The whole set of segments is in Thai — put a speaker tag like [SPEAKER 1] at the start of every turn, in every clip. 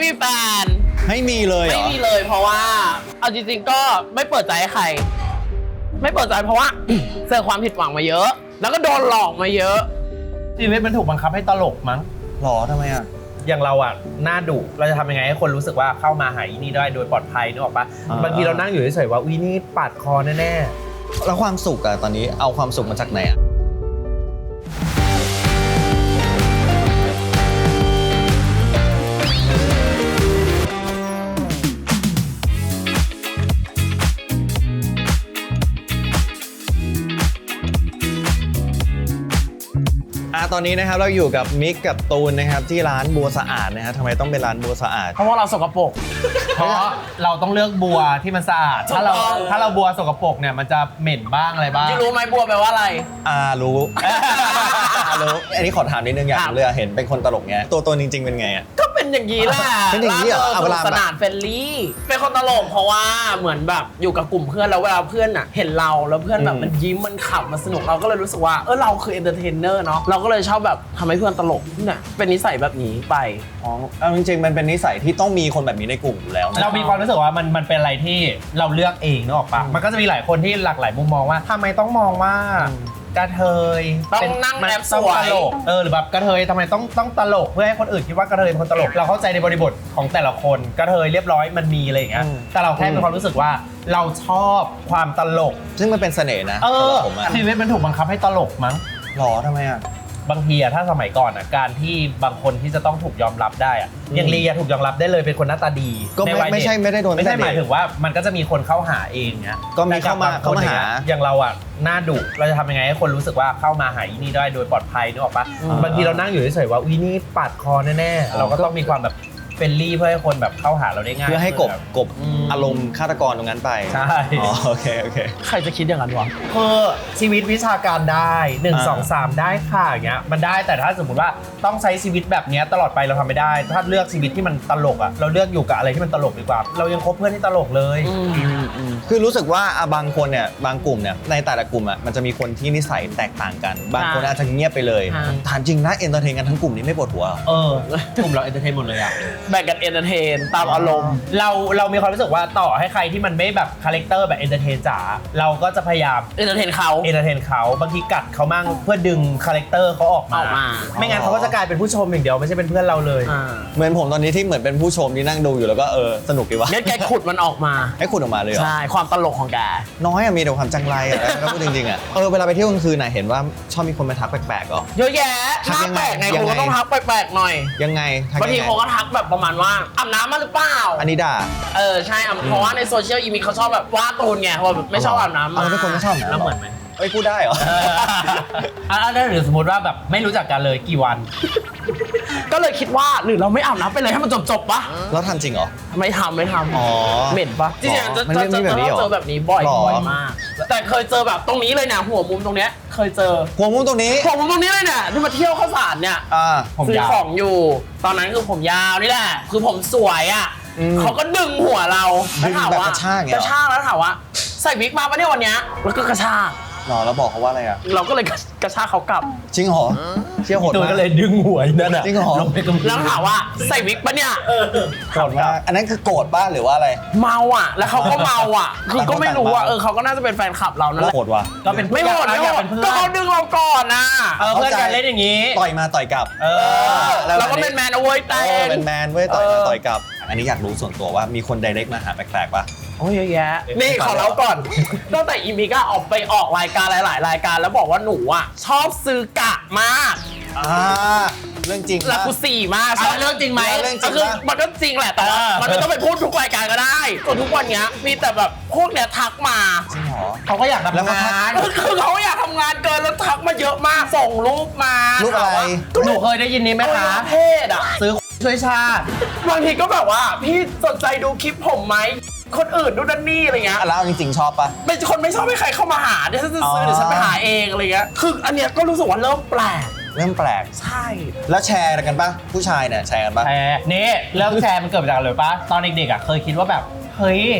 [SPEAKER 1] มีแฟน
[SPEAKER 2] ไม่มีเลยเหรอ
[SPEAKER 1] ไม่มีเลยเพราะว่าเอาจริงๆก็ไม่เปิดใจให้ใครไม่เปิดใจเพราะว่า เจอความผิดหวังมาเยอะ แล้วก็โดนหลอกมาเยอะ
[SPEAKER 3] ชีวิตมันถูกบังคับให้ตลกมั้ง
[SPEAKER 2] หรอทำไมอ่ะ
[SPEAKER 3] อย่างเราอ่ะหน้าดุเราจะทำยังไงให้คนรู้สึกว่าเข้ามาหาอีนี่ได้โดยปลอดภัยนึกออกปะบางทีเรานั่งอยู่เฉยๆว่าอีนี่ปาดคอแน่
[SPEAKER 2] ๆแล้วความสุขอะตอนนี้เอาความสุขมาจากไหนอะตอนนี้นะครับเราอยู่กับมิกกับตูนนะครับที่ร้านบัวสะอาดนะครับทำไมต้องเป็นร้านบัวสะอาด
[SPEAKER 1] เพราะว่าเราสกปรก
[SPEAKER 3] เพราะเราต้องเลือกบัวที่มันสะอาดถ้าเราบัวสกปรกเนี่ยมันจะเหม็นบ้างอะไรบ้าง
[SPEAKER 1] รู้ไหมบัวแปลว่าอะไร
[SPEAKER 2] รู้ รู้อันนี้ขอถามนิดนึงอยากเลยเห็นเป็นคนตลกเงี้ยตัวจริงๆเป็นไงอ่ะ
[SPEAKER 1] ก็เป็นอย่างนี้แหละ
[SPEAKER 2] เป็นอย่างนี้เหรอ
[SPEAKER 1] เวลาสนานเฟรนลี่เป็นคนตลกเพราะว่าเหมือนแบบอยู่กับกลุ่มเพื่อนแล้วเวลาเพื่อนอ่ะเห็นเราแล้วเพื่อนแบบมันยิ้มมันขำมันสนุกเราก็เลยรู้สึกว่าเราคือเอนเตอร์เทนเนอร์เนาะเราก็เลยชอบแบบทำให้เพื่อนตลกเนี่ยเป็นนิสัยแบบนี้ไป
[SPEAKER 2] เอาจริงๆมันเป็นนิสัยที่ต้องมีคนแบบนี้ในกลุ่มอยู่แล้ว
[SPEAKER 3] เรามีความรู้สึกว่ามันเป็นอะไรที่เราเลือกเองนึกออกปะมันก็จะมีหลายคนที่หลากหลายมุมมองว่าทำไมต้องมองว่ากระเทย
[SPEAKER 1] ต้องนั่งแอบสวย
[SPEAKER 3] ตลกหรือแบบกระเทยทำไมต้องตลกเพื่อให้คนอื่นคิดว่ากระเทยเป็นคนตลกเราเข้าใจในบริบทของแต่ละคนกระเทยเรียบร้อยมันมีอะไรอย่างเงี้ยแต่เราแค่มีความรู้สึกว่าเราชอบความตลก
[SPEAKER 2] ซึ่งมันเป็นเสน่ห์นะ
[SPEAKER 3] ชีวิตมันถูกบังคับให้ตลกมั้ง
[SPEAKER 2] หรอทำไมอ่ะ
[SPEAKER 3] บางทีอะถ้าสมัยก่อนอะการที่บางคนที่จะต้องถูกยอมรับได้อะอย่างลีถูกยอมรับได้เลยเป็นคนหน้าตาดี
[SPEAKER 2] ก็ไม่ใช่ไม่ได้โดน
[SPEAKER 3] ไม่ใช่หมายถึงว่ามันก็จะมีคนเข้าหาเองเนี้ย
[SPEAKER 2] ก็มีเข้ามาหา
[SPEAKER 3] อย่างเราอะหน้าดุเราจะทำยังไงให้คนรู้สึกว่าเข้ามาหาอีนี่ได้โดยปลอดภัยนึกออกปะบางทีเรานั่งอยู่เฉยๆว่าอีนี่ปาดคอแน่ๆเราก็ต้องมีความแบบเฟรนลี่เพื่อให้คนแบบเข้าหาเราได้ง่าย
[SPEAKER 2] เพื่อให้กบอารมณ์ฆาตกรตรงนั้นไป
[SPEAKER 3] ใช่
[SPEAKER 2] โอเค
[SPEAKER 1] ใครจะคิดอย่างนั้นวะ
[SPEAKER 3] คือชีวิตวิชาการได้1 2 3ได้ค่ะอย่างเงี้ยมันได้แต่ถ้าสมมติว่าต้องใช้ชีวิตแบบนี้ตลอดไปเราทำไม่ได้ถ้าเลือกชีวิตที่มันตลกอ่ะเราเลือกอยู่กับอะไรที่มันตลกดีกว่าเรายังคบเพื่อนที่ตลกเลย
[SPEAKER 2] คือรู้สึกว่าบางคนเนี่ยบางกลุ่มเนี่ยในแต่ละกลุ่มอ่ะมันจะมีคนที่นิสัยแตกต่างกันบางคนอาจจะเงียบไปเลยถามจริงนะเอนเตอร์เทนกันทั้งกลุ่มนี้ไม่ปวดหัว
[SPEAKER 3] กลุ่มเราเอนเตอร์เทนหมดเลยอ่ะ
[SPEAKER 1] แบ่งกันเอนเตอร์เทนตามอารมณ์
[SPEAKER 3] เรามีความรู้สึกว่าต่อให้ใครที่มันไม่แบบคาแรคเตอร์แบบเอนเตอร์เทนจ๋าเราก็จะพยายาม
[SPEAKER 1] เอนเตอร์เทน
[SPEAKER 3] เขาบางทีกัดเขามั่งเพื่อดึงคาแรคเตอร์เขาออกมาไม่งั้นเขาก็จะกลายเป็นผู้ชมอย่างเดียวไม่ใช่เป็นเพื่อนเราเลย
[SPEAKER 2] เหมือนผมตอนนี้ที่เหมือนเป็นผู้ชมที่นั่งดูอยู่แล้วก็สนุกดีวะ
[SPEAKER 1] งั้นแกขุดมันออกมา
[SPEAKER 2] ให้ขุดออกมาเลยเหรอ
[SPEAKER 1] ใช่ความตลกของแก
[SPEAKER 2] น้อยมีแต่ความจังไรถ้าพูดจริงๆเวลาไปเที่ยวกลางคืนเห็นว่าชอบมีคนมาทักแปลกๆอ๋อ
[SPEAKER 1] เยอะแยะทักแปลกไงคุณก็ต้องทักแปลกๆหน่อย
[SPEAKER 2] ยังไง
[SPEAKER 1] บางทีเขาก็ทักแบบประมาณว่าอาบน้ำมาหรือเปล่า
[SPEAKER 2] อันนี้ด่า
[SPEAKER 1] ใช่เพราะว่าในโซเชียลมีเขาชอบแบบว่าตูนไงเพราะไม่ชอบอาบน้ำมา
[SPEAKER 2] เป็นคนไม่ชอบ
[SPEAKER 3] แล้วเหมือนไหม
[SPEAKER 2] พูดได้เหรอ
[SPEAKER 3] หรือสมมติว่าแบบไม่รู้จักกันเลยกี่วัน
[SPEAKER 1] ก็เลยคิดว่าหรือเราไม่อาบน้ำไปเลยให้มันจบปะ
[SPEAKER 2] แล้วทำจริงเหรอ
[SPEAKER 1] ไม่ทำเหม็นปะจริงๆจะเจอแบบนี้บ่อยมากแต่เคยเจอแบบตรงนี้เลยเนี่ยหัวมุมตรงเนี้ยเคยเจอ
[SPEAKER 2] หัวมุมตรงนี้
[SPEAKER 1] เลยเนี่ยที่มาเที่ยวข้าวสารเนี่ยซื้อของอยู่ตอนนั้นคือผมยาวนี่แหละคือผมสวยอ่ะเขาก็ดึงหัวเราแล้วถามว่ากระชากแล้วถามว่าใส่วิกมาปะเนี่ยวันเนี้ยแล้วก็กระชาก
[SPEAKER 2] แล้วบอกเขาว่าอะไรอ่ะ
[SPEAKER 1] เราก็เลยกระชากเขากลับ
[SPEAKER 2] จริงเหรอเชี่ยวโหด
[SPEAKER 3] มากก็เลยดึงหัวนั่นอ่ะ
[SPEAKER 2] จริงเหรอ
[SPEAKER 1] แล้วถามว่าใส่วิกปะเนี่ย
[SPEAKER 2] โกรธมากอันนั้นคือโกรธป่ะหรือว่าอะไร
[SPEAKER 1] เมาอ่ะแล้วเขาก็เมาอ่ะคือก็ไม่รู้ว่าเขาก็น่าจะเป็นแฟนคลับเรานั่นแหละ
[SPEAKER 2] โกรธว่ะ
[SPEAKER 3] ก็เป็น
[SPEAKER 1] ไม่โกรธก็เขาดึงเราก่อนนะ
[SPEAKER 3] เพื่อนกันเล่นอย่างนี้
[SPEAKER 2] ต่อยมาต่อยกลับ
[SPEAKER 1] เราก็เป็นแมนเอาไว้แต่
[SPEAKER 2] เป็นแมนเว้ยต่อยมาต่อยกลับอันนี้อยากรู้ส่วนตัวว่ามีคนไดเรกมาหาแปลกๆป่ะ
[SPEAKER 1] โอ้ยเยอะแยะนี่ขอเล่าก่อนตั้งแต่อีมิก้าออกไปออกรายการหลายๆรายการแล้วบอกว่าหนูอ่ะชอบซื้อกะมาก
[SPEAKER 2] เรื่องจริง
[SPEAKER 1] แล้วกู4 มาก
[SPEAKER 3] เรื่องจริงไหม
[SPEAKER 1] คือมันก็จริงแหละแต่มันไม่ต้องไปพูดทุกรายการก็ได้จนทุกวันนี้มีแต่แบบพวกเนี้ยทักมา
[SPEAKER 2] จริงเหรอ
[SPEAKER 3] เขาก็อยากทำงาน
[SPEAKER 1] คือเขาอยากทำงานเกินแล้วทักมาเยอะมากส่งรูปมา
[SPEAKER 2] รูปอะไร
[SPEAKER 3] หนูเคยได้ยินนี้ไหมคะ
[SPEAKER 1] เพศ
[SPEAKER 3] ซื้อช่วยชาติ
[SPEAKER 1] บางทีก็แบบว่าพี่สนใจดูคลิปผมไหมคนอื่นดูนั่นนี่อะไรเงี้ย
[SPEAKER 2] แล้วจริงๆชอบปะ
[SPEAKER 1] เป็นคนไม่ชอบให้ใครเข้ามาหาเดี๋ยวฉันจะซื้อเดี๋ยวฉันไปหาเองอะไรเงี้ยคืออันเนี้ยก็รู้สึกว่าเริ่มแปลกใช่
[SPEAKER 2] แล้วแชร์กันปะผู้ชายเนี่ยแชร์กันปะ
[SPEAKER 3] แชร์นี่เริ่มแชร์มันเกิดจากอะไรปะตอนเด็กๆเคยคิดว่าแบบเฮ้ย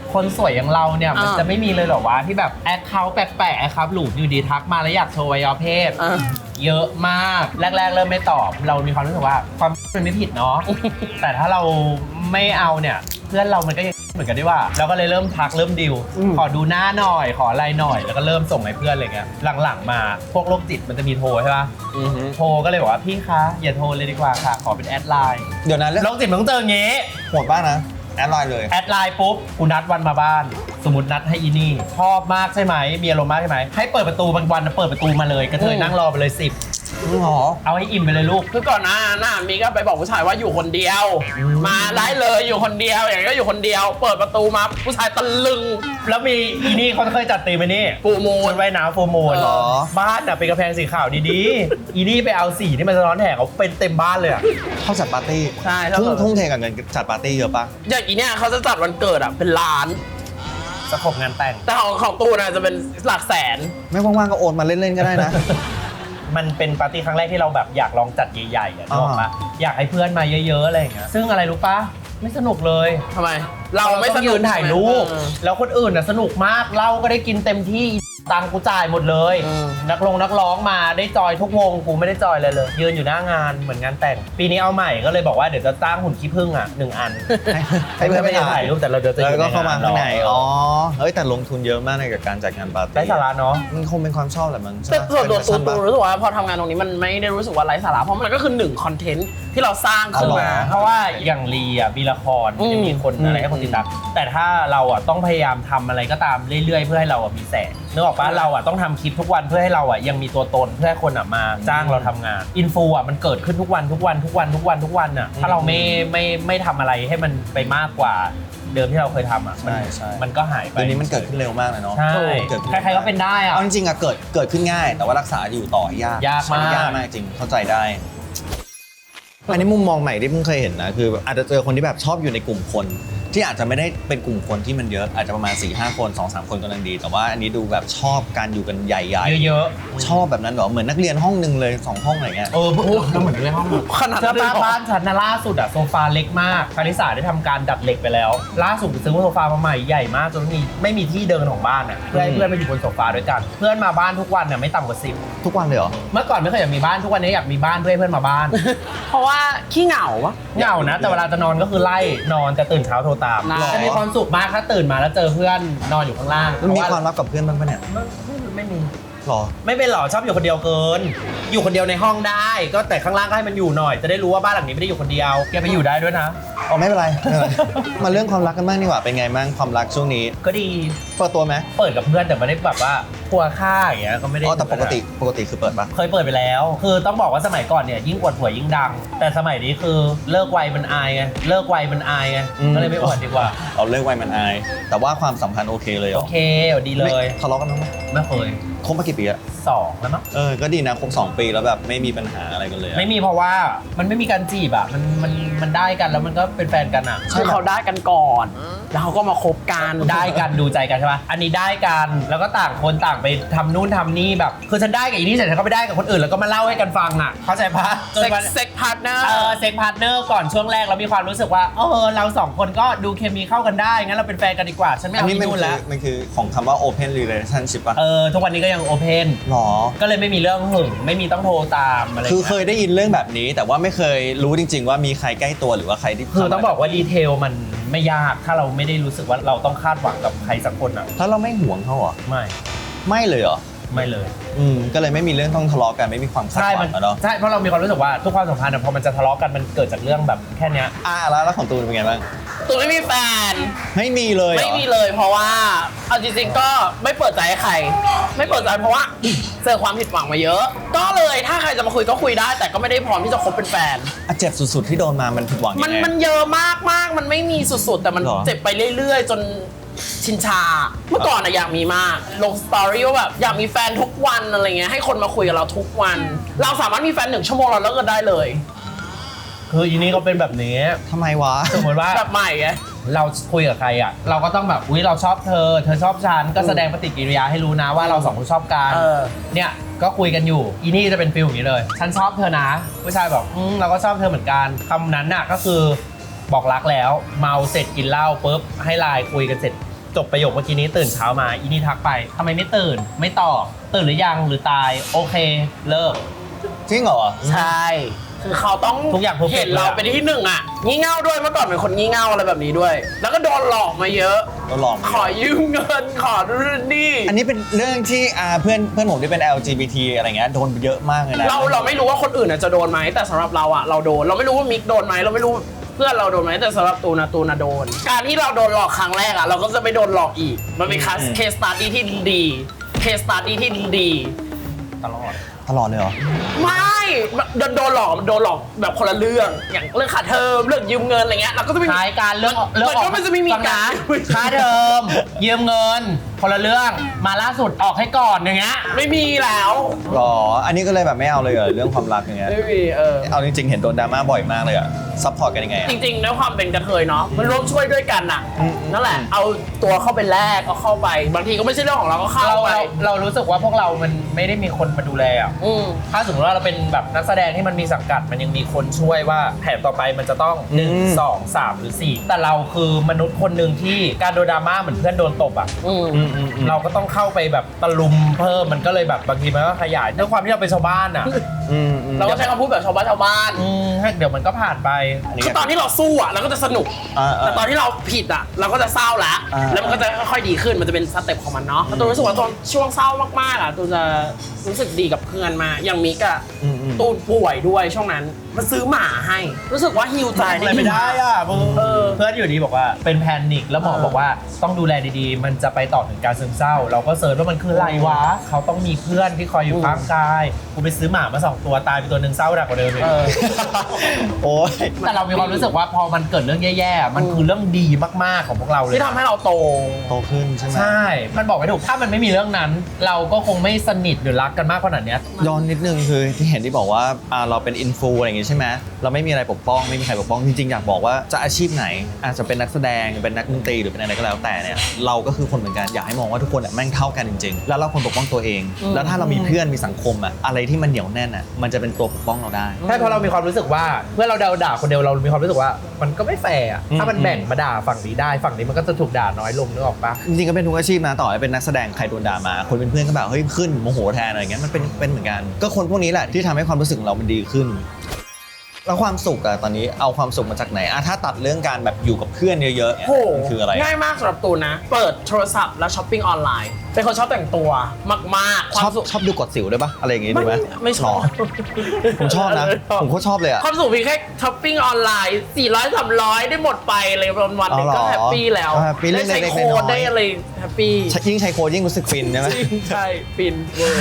[SPEAKER 3] คนสวยอย่างเราเนี่ยมันจะไม่มีเลยเหรอวะที่แบบแอคเคาท์แปลกๆแอคเคาท์หลุดอยู่ดีทักมาแล้วอยากโชว์อวัยวะเพศเยอะมากแรกๆเริ่มไม่ตอบเรามีความรู้สึกว่าความมันไม่ผิดเนาะ แต่ถ้าเราไม่เอาเนี่ยเพื่อนเรามันก็ยังเหมือนกันด้วยว่าเราก็เลยเริ่มทักเริ่มดิวขอดูหน้าหน่อยขออะไรหน่อยแล้วก็เริ่มส่งให้เพื่อนอะไรเงี้ยหลังๆมาพวกโรคจิตมันจะมีโทรใช่ป่ะโทรก็เลยบอกว่าพี่คะอย่าโทรเลยดีกว่าค่ะขอเป็นแอดไลน์
[SPEAKER 2] เดี๋ยวนั้น
[SPEAKER 3] โรคจิตมันต้องเจออย่างงี้
[SPEAKER 2] โหดบ้างนะแอดไลน์เลย
[SPEAKER 3] แอดไลน์ปุ๊บกูนัดวันมาบ้านสมมตินัดให้อีนี่ชอบมากใช่ไหมมีอารมณ์มากใช่ไหมให้เปิดประตูบางวันเปิดประตูมาเลยกระเทยนั่งรอไปเลย10เอาให้อิ่มไปเลยลูก
[SPEAKER 1] คือก่อนหน้าน่ะมีก็ไปบอกผู้ชายว่าอยู่คนเดียว มาได้เลยอยู่คนเดียวอย่างนี้ก็อยู่คนเดียว เปิดประตูมาผู้ชายตะลึง
[SPEAKER 3] แล้วมีอีนี่เขาเคยจัดตีมไหมนี่
[SPEAKER 1] ฟูลมูน
[SPEAKER 3] ชุดว่ายน้ำฟูลมูน
[SPEAKER 2] เหรอ
[SPEAKER 3] บ้านน่ะเป็นกระแพงสีขาวดีๆอีนี่ไปเอาสีที่มันสะท้อนแสงเขาเป็นเต็มบ้านเลยอะ
[SPEAKER 2] เขาจัดปาร์ตี้
[SPEAKER 1] ใช่
[SPEAKER 2] ทุ่งเทกับเงินจัดปาร์ตี้เยอะปะ
[SPEAKER 1] อย่างอีเนี่ยเขาจะจัดวันเกิดอ่ะเป็นล้าน
[SPEAKER 3] สะขบงานแต่ง
[SPEAKER 1] แต่ของตูน่ะจะเป็นหลักแสน
[SPEAKER 2] ไม่ว่างๆก็โอนมาเล่นๆก็ได้นะ
[SPEAKER 3] มันเป็นปาร์ตี้ครั้งแรกที่เราแบบอยากลองจัดใหญ่ๆอ่ะนึกออกปะอยากให้เพื่อนมาเยอะๆอะไรอย่างเงี้ยซึ่งอะไรรู้ปะไม่สนุกเลย
[SPEAKER 1] ทำไม เราไม่
[SPEAKER 3] ต้
[SPEAKER 1] ส
[SPEAKER 3] อง
[SPEAKER 1] นุ
[SPEAKER 3] ยื
[SPEAKER 1] ก
[SPEAKER 3] นถ่ายรูปแล้วคนอื่นน่ะสนุกมากเหล้าก็ได้กินเต็มที่ตังค์กูจ่ายหมดเลยนักร้องมาได้จอยทุกวงกูไม่ได้จอยเลยยืนอยู่หน้างานเหมือนงานแต่งปีนี้เอาใหม่ก็เลยบอกว่าเดี๋ยวจะจ้างหุ่นขี้ผึ้งอ่ะ1 อัน
[SPEAKER 2] ให้เพื่อนไป
[SPEAKER 3] ถ่ายรูปแต่เราจะ
[SPEAKER 2] แล้วก็เข้ามาข้างใน อ๋อ
[SPEAKER 3] เ
[SPEAKER 2] เฮ้ยแต่ลงทุนเยอะมากในกับการจัดงานปาร์ตี้
[SPEAKER 3] ได้สาระเนาะ
[SPEAKER 2] มันคงเป็นความชอบแหละมั้ง
[SPEAKER 1] แต่ส่วนตัว
[SPEAKER 2] เป็น
[SPEAKER 1] ตู
[SPEAKER 2] แฟชั่นปะ
[SPEAKER 1] รู้สึกว่าพอทำงานตรงนี้มันไม่ได้รู้สึกว่าไร้สาระเพราะมันก็คือ1คอนเทนต์ที่เราสร้างขึ้นมา
[SPEAKER 3] เพราะว่าอย่างลีอ่ะมีละครจะมีคนอะไรให้คนติดตามแต่ถ้าเราอ่ะต้องพยายามทำอะไรก็ตามเรื่อยๆเพื่อให้เราอ่ะมีแสงนึกออกปะเราอ่ะต้องทำคลิปทุกวันเพื่อให้เราอ่ะยังมีตัวตนเพื่อให้คนอ่ะมาจ้างเราทำงานอินฟูอ่ะมันเกิดขึ้นทุกวันอ่ะถ้าเราไม่ทำอะไรให้มันไปมากกว่าเดิมที่เราเคยทำอ่ะมันก็หายไป
[SPEAKER 2] เดี๋ยวนี้มันเกิดขึ้นเร็วมากเลยเนาะ
[SPEAKER 3] ใช่
[SPEAKER 2] เกิดขึ้น
[SPEAKER 3] ใครๆก็เป็นได้อ่ะ
[SPEAKER 2] เอาจริงๆอะเกิดขึ้นง่าย แต่ว่ารักษาอยู่ต่อยาก
[SPEAKER 3] ยากมาก
[SPEAKER 2] ยากมากจริงเข้าใจได้ อันนี้มุมมองใหม่ที่เพิ่งเคยเห็นนะคืออาจจะเจอคนที่แบบชอบอยู่ในกลุ่มคนที่อาจจะไม่ได้เป็นกลุ่มคนที่มันเยอะอาจจะประมาณ 4-5 คน 2-3 คนกำลังดี แต่ว่าอันนี้ดูแบบชอบการอยู่กันใหญ่ๆ
[SPEAKER 3] เยอะ
[SPEAKER 2] ชอบแบบนั้นเหรอเหมือนนักเรียนห้องนึงเลย2ห้องอะไรเงี้ย
[SPEAKER 3] ๆเราเหมือนในห้อง
[SPEAKER 1] ขนาด
[SPEAKER 3] เสื้
[SPEAKER 1] นั้
[SPEAKER 3] อน
[SPEAKER 1] เลย
[SPEAKER 3] ผ้า
[SPEAKER 1] เหรอ
[SPEAKER 3] บ้านฉันนะล่าสุดอะโซฟาเล็กมากคาริสาได้ทำการดัดเหล็กไปแล้ว ล่าสุดไปซื้อโซฟามาใหม่ใหญ่มากจนไม่มีที่เดินของบ้านอะเพื่อให้เพื่อนมาอยู่บนโซฟาด้วยกันเพื่อนมาบ้านทุกวันเนี่ยไม่ต่ำกว่า10
[SPEAKER 2] ทุกวันเลยเหรอ
[SPEAKER 3] เมื่อก่อนไม่เคยอยากมีบ้านทุกวันนี้อยากมีบ้านเพื่อให้เพื่อนมาบ้าน
[SPEAKER 1] เพราะว่าขี้เหงาปะ
[SPEAKER 3] เหงานะแต่เวลาจะนอนก็คือไล่นอนแต่ตื่นเช้าโทรตาม
[SPEAKER 1] หรอ
[SPEAKER 3] จะมีความสุขมากถ้าตื่นมาแล้วเจอเพื่อนนอนอยู่ข้างล่าง
[SPEAKER 2] มันมีความลับกับเพื่อนบ้างปะเนี่ย
[SPEAKER 3] ไม่มี
[SPEAKER 2] หรอ
[SPEAKER 3] ไม่เป็นหรอชอบอยู่คนเดียวเกิน อยู่คนเดียวในห้องได้ก็แต่ข้างล่างก็ให้มันอยู่หน่อยจะได้รู้ว่าบ้านหลังนี้ไม่ได้อยู่คนเดียวแกไปอยู่ได้ด้วยนะ
[SPEAKER 2] อ๋อไม่เป็นไรไม่เป็นไร มาเรื่องความรักกันบ้างดีกว่าเป็นไงบ้างความรักช่วงนี้
[SPEAKER 3] ก็ดี
[SPEAKER 2] เปิดตัวไหม
[SPEAKER 3] เปิดกับเพื่อนแต่ไม่ได้แบบว่าพัวค่าอย่างเงี้ยก็ไม่ได้
[SPEAKER 2] อ๋อแต่ปกติคือเปิดปะ
[SPEAKER 3] เคยเปิดไปแล้ว คือต้องบอกว่าสมัยก่อนเนี่ยยิ่งอวดผัวยิ่งดัง แต่สมัยนี้คือเลิกไวมันอายไงก็เลยไม่อวดดีกว่า
[SPEAKER 2] เอาเลิกไวมันอาย แต่ว่าความสัมพันธ์โอเคเลยเหร
[SPEAKER 3] โอ
[SPEAKER 2] อ
[SPEAKER 3] เคดีเลย
[SPEAKER 2] ทะเลาะกันบ้างไหม
[SPEAKER 3] ไม่เคย
[SPEAKER 2] คบมากี่ปีอะ
[SPEAKER 3] 2แล้วมั้ง
[SPEAKER 2] ก็ดีนะคบ2 ปีแล้วแบบไม่มีปัญหาอะไรกันเลยอะ
[SPEAKER 3] ไม่มีเพราะว่ามันไม่มีการจีบอ่ะมันได้กันแล้วมันก็เป็นแฟนกันอ่ะ
[SPEAKER 1] คือเขาได้กันก่อน แล้วเขาก็มาคบกัน
[SPEAKER 3] ได้กันดูใจกันใช่ปะอันนี้ได้กันแล้วก็ต่างคนต่างไปทำนู่นทำนี่แบบคือฉันได้กับอีนี่เสร็จฉันก็ไปได้กับคนอื่นแล้วก็มาเล่าให้กันฟังอ่ะเข้าใจปะจนวัน
[SPEAKER 1] เซ็กพาร์ทเนอร์
[SPEAKER 3] เซ็กพาร์ทเนอร์ก่อนช่วงแรกเรามีความรู้สึกว่าเรา2 คนก็ดูเคมีเข้ากันได้งั้นเราเป็นแฟนกันดีกว่าฉันไม่
[SPEAKER 2] อัน
[SPEAKER 3] เอา
[SPEAKER 2] นี้
[SPEAKER 3] อีนู่นแล้ว
[SPEAKER 2] มันคือของคำว่า open relationship ป่ะ
[SPEAKER 3] ทุกวันนี้ก็ยังโอเพน
[SPEAKER 2] หรอ
[SPEAKER 3] ก็เลยไม่มีเรื่องหึงไม่มีต้องโทรตามอะไร
[SPEAKER 2] คือเคยได้ยินเรื่องแบบนี้ แต่ว่าไม่เคยรู้จริง ๆ ว่ามีใครใกล้ตัวหรือว่าใครที่
[SPEAKER 3] คือต้องบอกว่าดีเทลมันไม่ยากถ้าเราไม่ได้รู้สึกว่าเราต้องคาดหวังกับใครสักคนอ่ะ
[SPEAKER 2] แล้วเราไม่ห่วงเขาเหรอ ไม่เลยเหรอ
[SPEAKER 3] ไม่เลย
[SPEAKER 2] ก็เลยไม่มีเรื่องต้องทะเลาะกันไม่มีความคาดหวังอะเนาะ
[SPEAKER 3] ใช่เพราะเรามีความรู้สึกว่าทุกความสัมพันธ์อะพอมันจะทะเลาะกันมันเกิดจากเรื่องแบบแค่เนี้ย
[SPEAKER 2] แล้วของตูนเป็นไงบ้าง
[SPEAKER 1] ตูไม่มีแฟน
[SPEAKER 2] ไม่มีเลยเหรอ
[SPEAKER 1] ไม่มีเลยเพราะว่าเอาจริงๆก็ไม่เปิดใจให้ใคร ไม่เปิดใจเพราะว่าเจอความผิดหวังมาเยอะ ก็เลยถ้าใครจะมาคุยก็คุยได้ แต่ก็ไม่ได้พร้อมที่จะคบเป็นแฟน
[SPEAKER 2] เจ็บสุดๆที่โดนมามันผิดหวังยังไง
[SPEAKER 1] มันเยอะมากๆมันไม่มีสุดๆแต่มัน
[SPEAKER 2] หรอ
[SPEAKER 1] เจ็บไปเรื่อยๆ จนชินชา เมื่อก่อนอะอยากมีมากลงสตอรี่ว่าแบบอยากมีแฟนทุกวันอะไรเงี้ยให้คนมาคุยกับเราทุกวัน เราสามารถมีแฟน1 ชั่วโมงเราเลิกกันได้เลย
[SPEAKER 3] คืออีนี่ก็เป็นแบบนี้
[SPEAKER 2] ทำไมวะ
[SPEAKER 3] สมมติว่า
[SPEAKER 1] แบบใหม่ไง
[SPEAKER 3] เราคุยกับใครอ่ะเราก็ต้องแบบอุ๊ยเราชอบเธอชอบฉันก็แสดงปฏิกิริยาให้รู้นะว่าเรา2 คนชอบกันเนี่ยก็คุยกันอยู่อีนี่จะเป็นฟิลอย่างนี้เลยฉันชอบเธอนะผู้ชายบอกเราก็ชอบเธอเหมือนกันคำนั้นน่ะก็คือบอกรักแล้วเมาเสร็จกินเหล้าปุ๊บให้ไลน์คุยกันเสร็จจบประโยคเมื่อกี้นี้ตื่นเช้ามาอีนี่ทักไปทำไมไม่ตื่นไม่ตอบตื่นหรือยังหรือตายโอเคเลิก
[SPEAKER 2] จริงเหรอ
[SPEAKER 1] ใช่คือเขาต้อง
[SPEAKER 3] ทุกอย่าง perfect
[SPEAKER 1] เห็นเรา
[SPEAKER 3] เลยอะ
[SPEAKER 1] เป็นที่หนึ่งอ่ะงี่เง่าด้วยเมื่อก่อนเป็นคนงี่เง่าอะไรแบบนี้ด้วย แล้วก็โดนหลอกมาเยอะ
[SPEAKER 2] โดนหลอกมาเยอะ
[SPEAKER 1] ขอยืมเงินขอนู่นนี่
[SPEAKER 2] อันนี้เป็นเรื่องที่เพื่อนผมที่เป็น LGBT อะไรเงี้ยโดนเยอะมากเลยนะ
[SPEAKER 1] เราไม่รู้ว่าคนอื่นจะโดนไหมแต่สำหรับเราอ่ะเราโดนเราไม่รู้ว่ามิกโดนไหมเราไม่รู้เพื่อนเราโดนไหมแต่สำหรับตูนโดน การที่เราโดนหลอกครั้งแรกอ่ะเราก็จะไม่โดนหลอกอีกมันเป็นเคสสตาร์ดี้ที่ดีเคสสตาร์ดี้ที่ดี
[SPEAKER 3] ตลอด
[SPEAKER 2] ตลอดเลยเหรอ
[SPEAKER 1] ไม่โดนหลอกแบบคนละเรื่องอย่างเรื่องค่าเทอมเรื่องยืมเงินอะไรเงี้ยเราก็จะไม่
[SPEAKER 3] ท้ายการเรื่อง
[SPEAKER 1] มันก็ไม่จะไม่มี
[SPEAKER 3] ฟัง
[SPEAKER 1] กา
[SPEAKER 3] นะ
[SPEAKER 1] ร
[SPEAKER 3] ค่าเทอมยืมเงินคนละเรื่องมาล่าสุดออกให้ก่อนอย่างเงี้ย
[SPEAKER 1] ไม่มีแล้ว
[SPEAKER 2] หรอ อันนี้ก็เลยแบบไม่เอาเลยเหรอเรื่องความรักอย่างเงี้ย
[SPEAKER 1] ไม่มี
[SPEAKER 2] เอาจริงๆ เห็นโดนดราม่าบ่อยมากเลยอะซัพพอร์ตกันยังไงอะ
[SPEAKER 1] จริงๆด้วยความเป็นกระเทยเนาะมันร่วมช่วยด้วยกันน่ะ
[SPEAKER 2] อืม
[SPEAKER 1] นั่นแหละเอาตัวเข้าไปแลกก็เข้าไป บางทีก็ไม่ใช่เรื่องของเราก็เข้า
[SPEAKER 3] เรา
[SPEAKER 1] ไป
[SPEAKER 3] เรารู้สึกว่าพวกเรามันไม่ได้มีคนมาดูแลอ่ะ
[SPEAKER 1] อืม
[SPEAKER 3] ถ้าสมมติว่าเราเป็นแบบนักแสดงที่มันมีสังกัดมันยังมีคนช่วยว่าแผนต่อไปมันจะต้อง 1 2 3 หรือ 4 แต่เราคือมนุษย์คนหนึ่งที่การโดนดราม่าเหมือนเพื่อนโดนตบอ่ะ
[SPEAKER 1] อืม
[SPEAKER 3] เราก็ต้องเข้าไปแบบตะลุมเพิ่มมันก็เลยแบบบางทีมันก็ขยายด้วยความที่เราเป็นชาวบ้านอ่ะ
[SPEAKER 1] เราก็ใช้คำพูดแบบชาวบ้าน
[SPEAKER 3] ให้เดี๋ยวมันก็ผ่านไป
[SPEAKER 1] คือตอนที่เราสู้อ่ะเราก็จะสนุก แต่ตอนที่เราผิดอ่ะเราก็จะเศร้าแล้ว แล้วมันก็จะค่อยๆดีขึ้นมันจะเป็นสเต็ปของมันเนาะแล้วตูนรู้สึกว่าตอนช่วงเศร้ามากๆอ่ะตูนจะรู้สึกดีกับเพื่อนมากอย่างมิกอ่ะตูนป่วยด้วยช่วงนั้นมันซื้อหมาให้ รู้สึกว่าฮิวใจ
[SPEAKER 3] อะไรไม่ได้อ่ะมึงเพื่อนอยู่ดีบอกว่าเป็นแพนิคแล้วหมอบอกว่าต้องดูแลดีๆ มันจะไปต่อถึงการซึมเศร้า เราก็เสิร์ชว่ามันคืออะไรวะเขาต้องมีเพื่อนที่คอยอยู่ข้างกายกูไปซื้อหมามา2 ตัวตายไปตัวหนึ่งเศร้าหนักกว่าเดิมเลย
[SPEAKER 2] โอ้ย
[SPEAKER 3] แต่เรามีความรู้สึกว่าพอมันเกิดเรื่องแย่ๆ มันคือเรื่องดีมากๆของพวกเราเลย
[SPEAKER 1] ที่ทำให้เราโต
[SPEAKER 2] โตขึ้นใช่ไหม
[SPEAKER 3] ใช่ มันบอกไม่ถูกถ้ามันไม่มีเรื่องนั้น เราก็คงไม่สนิทหรือรักกันมากขนาดเนี้ย
[SPEAKER 2] ย้อนนิดนึงคือที่เห็นที่บอกว่าเราเป็นอินฟูอะไรอย่างงี้ใช่ไหมเราไม่มีอะไรปกป้องไม่มีใครปกป้องจริงๆอยากบอกว่าจะอาชีพไหนอาจจะเป็นนักแสดงเป็นนักดนตรีหรือเป็นอะไรก็แล้วแต่เนี่ยเราก็คือคนเหมือนกันอยากให้มองว่าทุกคนแม่งเท่ากันจริงๆแล้วเราควรปกป้องตัวเอง แล้วถ้าเรามีเพื่อนมีสังคมอะไรที่มันเหนียวแน่นมันจะเป็นตัวปกป้องเราได้
[SPEAKER 3] ใช่เพราะเรามีความรู้สึกว่าเมื่อเราด่าคนเดียวเรามีความรู้สึกว่ามันก็ไม่แฟร์อะถ้ามันแบ่งมาด่าฝั่งนี้ได้ฝั่งนี้มันก็จะถูกด่าน้อยลงนึกออกปะ
[SPEAKER 2] จริงๆก็เป็นทุกอาชีพนะต่อให้เป็นนักแสดงใครโดนด่ามาคนเป็นเพื่อนก็แบบเฮ้ยขึ้นโมโหแทนอะไรเงี้ยมันเป็นเหมือนกันก็คนพวกนี้แหละที่ทำให้ความรู้สึกของเรามันดีขึ้น แล้วความสุขอะตอนนี้เอาความสุขมาจากไหนถ้าตัดเรื่องการแบบอยู่กับเพื่อนเยอะๆ
[SPEAKER 1] โห
[SPEAKER 2] มันคืออะไร
[SPEAKER 1] ง่ายมากสำหรับตูนนะ เปิดโทรศัพท์แล้วช้อปปิ้งออนไลน์เป็นคนชอบแต่งตัวมากๆ ความสุข
[SPEAKER 2] ชอบดูกดสิวด้วยปะอะไรอย่างงี้ดูไหม
[SPEAKER 1] ไม่ชอบ
[SPEAKER 2] หรผมชอบนะผมก็ชอบเลยอะ
[SPEAKER 1] ความสุขเพียงแค่ช้อปปิ้งออนไลน์400 300ได้หมดไปเลยวันๆนึงก็
[SPEAKER 2] อ๋อเหรอ
[SPEAKER 1] แฮปปี้แล้ว
[SPEAKER 2] แฮปปี้
[SPEAKER 1] ได้ใช้
[SPEAKER 2] เล็กๆ
[SPEAKER 1] โค้ด
[SPEAKER 2] น้อยๆ
[SPEAKER 1] ได้อะไรแฮปปี้
[SPEAKER 2] ยิ่งใช้โค้ดยิ่งรู้สึกฟินใช่ไหม
[SPEAKER 1] ใช่ฟินเวอร์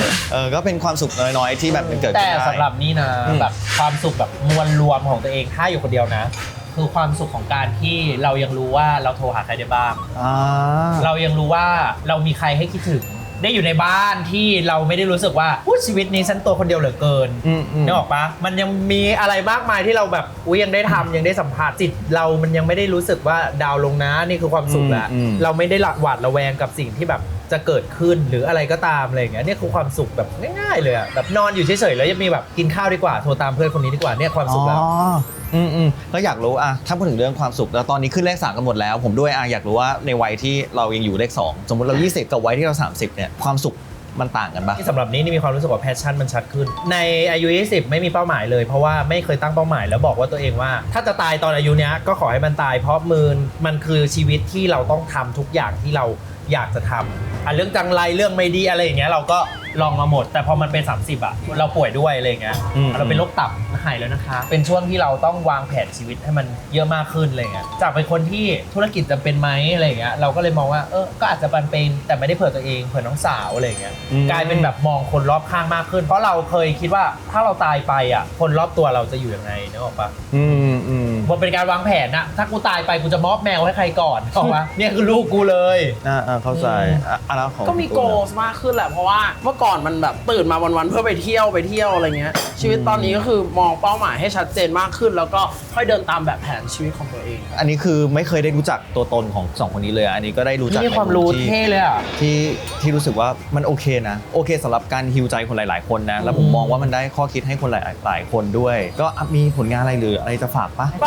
[SPEAKER 2] ก็เป็นความสุขน้อยๆที่แบบมันเกิด
[SPEAKER 3] แต่
[SPEAKER 2] ขึ้นได้
[SPEAKER 3] สำหรับนี่นะแบบความสุขแบบมวลรวมของตัวเองถ้าอยู่คนเดียวนะ คือความสุขของการที่เรายังรู้ว่าเราโทรหาใครได้บ้าง เรายังรู้ว่าเรามีใครให้คิดถึง ได้อยู่ในบ้านที่เราไม่ได้รู้สึกว่าชีวิตนี้ฉันตัวคนเดียวเหลือเกินนึกออกปะมันยังมีอะไรมากมายที่เราแบบยังได้ทำยังได้สัมผัสจิตเรามันยังไม่ได้รู้สึกว่าดาวลงนะนี่คือความสุขแล้วเราไม่ได้หวาดระแวงกับสิ่งที่แบบจะเกิดขึ้นหรืออะไรก็ตามอะไรอย่างเงี้ยนี่คือความสุขแบบง่ายๆเลยอะแบบนอนอยู่เฉยๆแล้วยังมีแบบกินข้าวดีกว่าโทรตามเพื่อนคนนี้ดีกว่าเนี่ยความสุขแล้ว
[SPEAKER 2] ก็อยากรู้ถ้าพูดถึงเรื่องความสุขแล้วตอนนี้ขึ้นเลข3กันหมดแล้วผมด้วยอยากรู้ว่าในวัยที่เรายังอยู่เลข2สมมติเรา20กับวัยที่เรา30เนี่ยความสุขมันต่างกันปะ
[SPEAKER 3] สำหรับนี้มีความรู้สึกว่าแพชชั่นมันชัดขึ้นในอายุ20ไม่มีเป้าหมายเลยเพราะว่าไม่เคยตั้งเป้าหมายแล้วบอกว่าตัวเองว่าถ้าจะตายตอนอายุเนี้ยก็ขอให้มันตายเพราะมันคือชีวิตที่เราต้องทำทุกอย่างที่เราอยากจะทำเรื่องจังไรเรื่องไม่ดีอะไรอย่างเงี้ยเราก็ลองมาหมดแต่พอมันเป็น30เราป่วยด้วยอะไรอย่างเงี้ยเราเป็นโรคตับหายแล้วนะคะเป็นช่วงที่เราต้องวางแผนชีวิตให้มันเยอะมากขึ้นอะไรเงี้ยจากเป็นคนที่ธุรกิจจำเป็นไหมอะไรเงี้ยเราก็เลยมองว่าก็อาจจะเป็นแต่ไม่ได้เผื่อตัวเองเผื่อน้องสาวอะไรเงี้ยกลายเป็นแบบมองคนรอบข้างมากขึ้นเพราะเราเคยคิดว่าถ้าเราตายไปคนรอบตัวเราจะอยู่ยังไงนึกออกปะมันเป็นการวางแผนนะถ้ากูตายไปกูจะมอบแมวให้ใครก่อนถูกปะเนี่ยคือลูกกูเลย
[SPEAKER 2] เข้าใจแล้วของ
[SPEAKER 1] ก็มีโกลมากขึ้นแหละเพราะว่าเมื่อก่อนมันแบบตื่นมาวันๆเพื่อไปเที่ยวอะไรเงี้ยชีวิตตอนนี้ก็คือมองเป้าหมายให้ชัดเจนมากขึ้นแล้วก็ค่อยเดินตามแบบแผนชีวิตของตัวเอง
[SPEAKER 2] อันนี้คือไม่เคยได้รู้จักตัวตนของ2คนนี้เลยอันนี้ก็ได้รู้จัก
[SPEAKER 3] นี่ความรู้เท่เลยอ่ะ
[SPEAKER 2] ที่รู้สึกว่ามันโอเคนะโอเคสำหรับการฮีลใจคนหลายๆคนนะแล้วผมมองว่ามันได้ข้อคิดให้คนหลายๆคนด้วยก็มีผลงานอะไรหรืออะไรจะฝากปะ
[SPEAKER 1] ฝ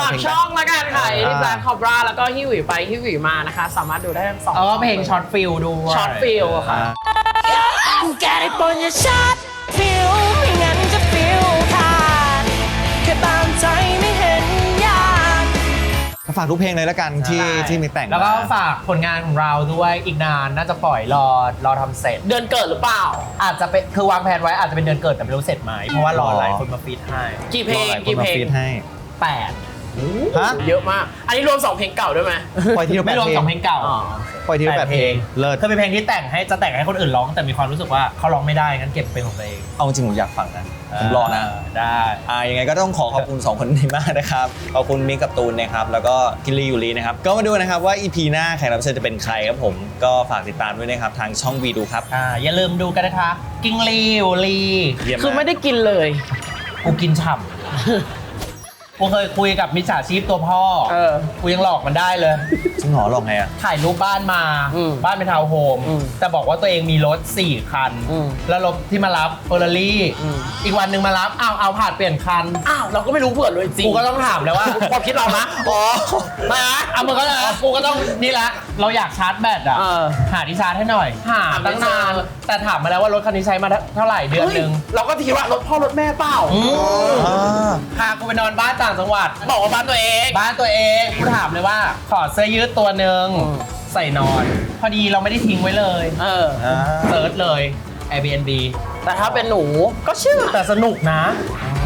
[SPEAKER 1] ฝากช่องละกันค่ะที่แบล็คคอบราแล้วก็ฮิวหวีไปฮิวหวีมานะคะ สามารถดูได้ทั้งสอง
[SPEAKER 3] เพลงช็อตฟิลด้วย
[SPEAKER 1] ช็อตฟิลค่ะ
[SPEAKER 4] แกได้ปนอย่าชัดฟิลไม่งั้นจะฟิลขาดแค่ตามใจไม่เห็นยาก
[SPEAKER 2] ก็ฝากทุกเพลงเลยละกันที่มีแต่ง
[SPEAKER 3] แล้วก็
[SPEAKER 2] มา
[SPEAKER 3] ฝากผลงานของเราด้วยอีกนานน่าจะปล่อยรอทำเสร็จ
[SPEAKER 1] เดือนเกิดหรือเปล่า
[SPEAKER 3] อาจจะเป็นคือวางแผนไว้อาจจะเป็นเดือนเกิดแต่ไม่รู้เสร็จไหมเพราะว่ารอหลายคนมาฟีดให้
[SPEAKER 1] กี่เพลง
[SPEAKER 2] รอหายคน
[SPEAKER 1] กี่
[SPEAKER 2] มา
[SPEAKER 1] เพลง
[SPEAKER 2] ฟีดให้
[SPEAKER 3] 8
[SPEAKER 2] ฮะ
[SPEAKER 1] เยอะมาก อันนี้รวม 2 เพลงเก่าด้วยไหม
[SPEAKER 2] ปล่อยทีละ
[SPEAKER 3] ไม่รวม
[SPEAKER 2] 8
[SPEAKER 3] 2เพลงเก่า
[SPEAKER 1] อ๋อ
[SPEAKER 2] ปล่อยทีละ8 เพลงเลิศ
[SPEAKER 3] คือเป็นเพลงที่แต่งให้คนอื่นร้องแต่มีความรู้สึกว่าเขาร้องไม่ได้งั้นเก็บเป็นของตัวเอง
[SPEAKER 2] เอาจริงผมอยากฟังนะผมรอนะ
[SPEAKER 3] ได้
[SPEAKER 2] ยังไงก็ต้องขอบคุณ 2 คนนี้มากนะครับ ขอบคุณมิกกับตูนนะครับ แล้วก็กิลลี่ยูรีนะครับ ก็มาดูนะครับว่า EP หน้าแขกรับเชิญจะเป็นใครครับผม ก็ฝากติดตามด้วยนะครับ ทางช่องวีดูครับ
[SPEAKER 3] อย่าลืมดูกันนะคะ กิ้งลีวลี
[SPEAKER 2] เยี่ยม
[SPEAKER 1] คือไม่ได้กินเลย
[SPEAKER 3] กูกินฉ่ำกูเคยคุยกับมิจฉาชีพตัวพ่อ กูยังหลอกมันได้เลย
[SPEAKER 2] จริงเหรอหรอกไงอ่ะ
[SPEAKER 3] ถ่ายรูปบ้านมา บ้านเป็นทาวน์โฮม แต่บอกว่าตัวเองมีรถ 4 คัน แล้วรถที่มารับเฟอร์รารี่ อีกวันหนึ่งมารับ เอาผ่านเปลี่ยนคัน
[SPEAKER 1] อ้าว เราก็ไม่รู้เผื่อเลยจริง
[SPEAKER 3] กูก็ต้องถามเลยว่า
[SPEAKER 1] ความคิดเรานะ
[SPEAKER 2] อ๋อ
[SPEAKER 3] มามึงก็นะกูก็ต้องนี่ละ เราอยากชาร์จแบตอ่ะ หาที่ชาร์จให้หน่อย หาตั้งนาน แต่ถามมาแล้วว่ารถคันนี้ใช้มาเท่าไหร่เดือนหนึ่ง
[SPEAKER 1] เราก็คิดว่ารถพ่อรถแม่เปล่า
[SPEAKER 3] พากูไปนอนบ้านต่างจังหวัด
[SPEAKER 1] บอกว่าบ้านตัวเอง
[SPEAKER 3] บ้านตัวเองกูถามเลยว่า ขอเสื้อยืดตัวหนึ่งใส่นอน พอดีเราไม่ได้ทิ้งไว้เลย เซิร์ชเลย Airbnb
[SPEAKER 1] แต่ถ้าเป็นหนูก็เชื่อ
[SPEAKER 3] แต่สนุกนะ